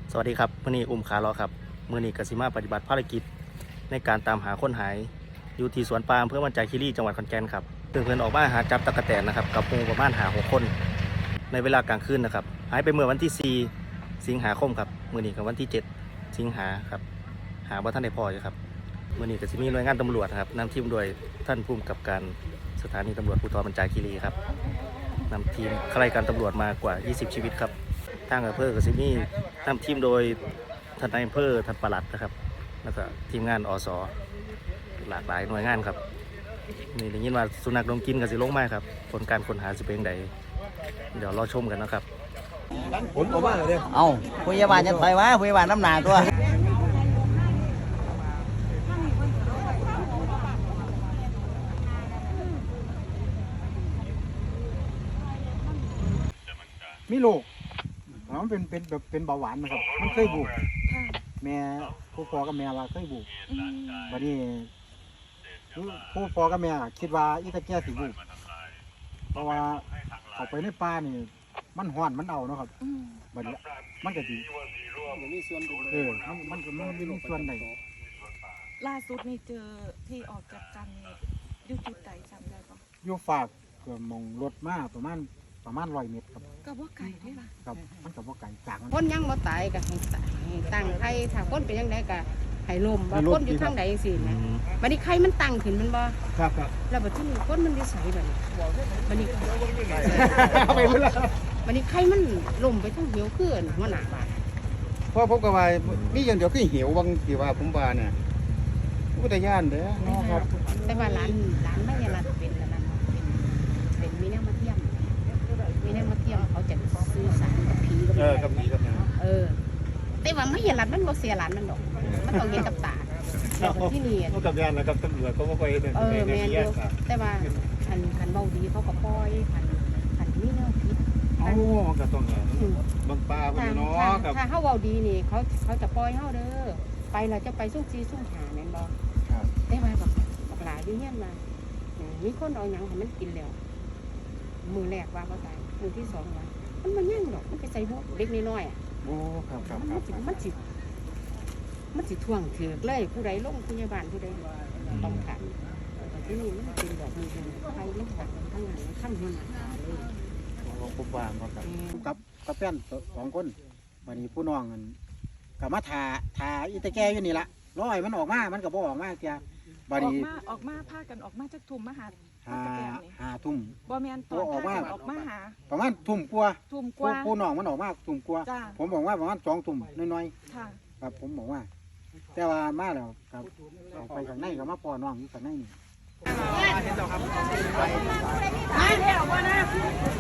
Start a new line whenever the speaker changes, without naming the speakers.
สวัสดีครับมื่อนี้อุ้มขาล้อครับมื่อนี้กสิมาปฏิบัติภารกิจในการตามหาคนหายอยู่ที่สวนปาล์มอำเภอมันจาคีรีจังหวัดขอนแก่นครับเพื่อนออกมาหาจับตะกะแตนนะครับกับหมู่ประมาณ6 คนในเวลากลางคืนนะครับหายไปเมื่อวันที่4 สิงหาคมครับมื่อนี้กับวันที่7 สิงหาครับหาว่าท่านได้พออยู่ครับมื่อนี้กสิมีหน่วยงานตำรวจครับนำทีมโดยท่านผู้กำกับการสถานีตำรวจภูธรมันจาคีรีครับนำทีมข้าราชการตำรวจมากว่า20 ชีวิตครับทางอำเภอกสิมีนำทีมโดยท่านนายอำเภอท่านปลัดนะครับแล้วก็ทีมงานอสหลากหลายหน่วยงานครับนี่ได้ยินว่าสุนัขดมกลิ่นกับสิลงมาครับผลการค้นหาสิเป็นใดเดี๋ยวรอชมกันนะครับ
ผลออกมาเลย
เอาพยาบาลจะต่อยวะพยาบาลน้ำหนาตัว
มีลูกมันเป็นแบบเป็นเบาหวานนะครับมันเคยบุกแม่ผู้พ่อกับแม่ว่าเคยบุกวันนี้ผู้พ่อกับแม่คิดว่าอีตาแก่สิบุกเพราะว่าเอาไปในป่านี่มันห่อนมันเอาเนาะครับบัดนี้มันก็ดีมีส่วนมันก็มีส่วนใด
ล่าสุดนี่เจอที่ออกจากกันอยู่จุดใดจำได้ปะ
อยู่ฝากเกือบมองรถมาประมาณ100 เมตรครับ
ก็ว่าไก่ได้ปะ
ครับมันกับว่าไก่จาก
คนยังบ่ตายก็ให้ตั้งไข่ถ้าคนเป็นยังไงก็ให้ลมบ่คนอยู่ทางใดจังซี่นะบัดนี้ไข่มันตั้งขึ้นมันบ่
ครับ
แล้วบัดนี้คนมันนิสัยบัดนี้บัดนี้ไข่มันลมไปทางเหี่ยวขึ้นหัวหน้าบ้าน
เพราะผมก็ว่ามีอย่างเดียวคือเหี่ยวบางทีว่าผมว่าเนี่ยอุทยานเด้อเนาะครับ
แต่ว่าร้านไม่ใช่ร้านเป็นแล้วนั่นเป็นมีแนวมาเทียมเขาจะซื้อสารกับผี
กับผีกับ
แต่ว่าไม่เห็นร้านมันบ่เสียร้านมันดอกมันต้องเห็นกับตาแล้วที่นี่
กับยานนะครับตำรวจเขาบ่ค่อย
แม่นอยู่แต่ว่าคันเว้าดีเขาก็ปล่อยคันมีแนวผิด
มันก็ต้องบางป่าพุ่นเนาะครับ
ถ้าเฮาเว้าดีนี่เขาจะปล่อยเฮาเด้อไปเราจะไปซุ่ม4ซุ่ม5แม่นบ่
ครับ
แต่ว่าบักหลายอยู่เฮียนมามีคนเอาหยังให้มันกินแล้วมือแรกว่าบ่ตายมือที่2ว่ามันย่างดอกมันไปใส่หัวเด็กน้อยๆอ่ะ
โอ้ครับ
มันสิท่วงถือกเลยผู้ใดลงพยาบาลผู้ใดต้องการที่นี่มันเป็นแบบนี้ใครลงจากทั้งนั้นทั้งหัวหน้าเลย
ผมว่ากับแฟน2 คนวันนี้ผู้น้องกันกับมาทาอีตาแก่อยู่นี่ละร้อยมันออกมามันก็บ่ออกมาเสียบัดนี้
ออกมาพากันออกมาจากทุ่มมาหา
ทุ่ม
บ่แม่นตอนออกมา
ประมาณทุ่มกว่าผู้น้องมันออกมาทุ่มกว่าผมบอกว่าประมาณ2 ทุ่มน้อย
ๆค่ะ
ครับผมบอกว่าแต่ว่ามาแล้วครับออกไปข้างในก็มาปอน้องอยู่ข้างในนี่เห็นแล้วครับ